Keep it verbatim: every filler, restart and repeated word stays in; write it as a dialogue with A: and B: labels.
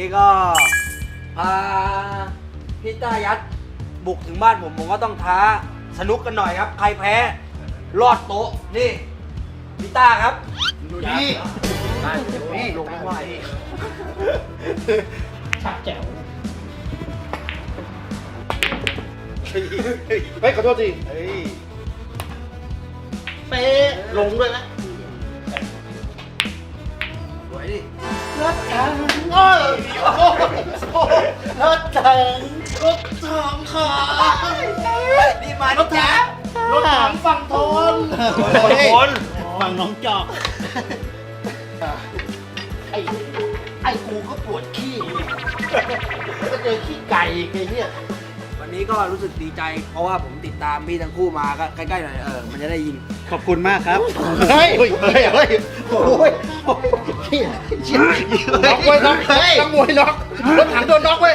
A: นี้ก็พาพี่ต้ายัดบุกถึงบ้านผมผมก็ต้องท้าสนุกกันหน่อยครับ ใครแพ้รอดโต๊ะนี่พี่ต้าครับดูนี่นี่ลงไม่ไหว
B: ชักแจ๋ว
C: เฮ้ยขอโทษที
A: เฮ้ย
C: เป๊ะลงด้วยนะ
A: สวยดิ
C: รถถังโอ้ยรถถังรถถังขา
A: นี่มาร
C: ถถังรถถังฝั่งทน
A: คนคน
C: ฝั่งน้องจอกไอ้ไอ้กูก็ปวดขี้ก็เจอขี้ไก่ไอ้เนี่ย
A: วันนี้ก็รู้สึกดีใจ เพราะว่าผมติดตามพี่ทั้งคู่มาก็ใกล้ๆหน่อยเออมันจะได้ยิน
C: ขอบคุณมากครับเฮ้ยเฮ้ยเฮ้ยเฮ้ยโอ้ยเชี่ยเชี่ยน็อกเว้ยน็อกนักมวยน็อกรถถังโดนน็อกเว้ย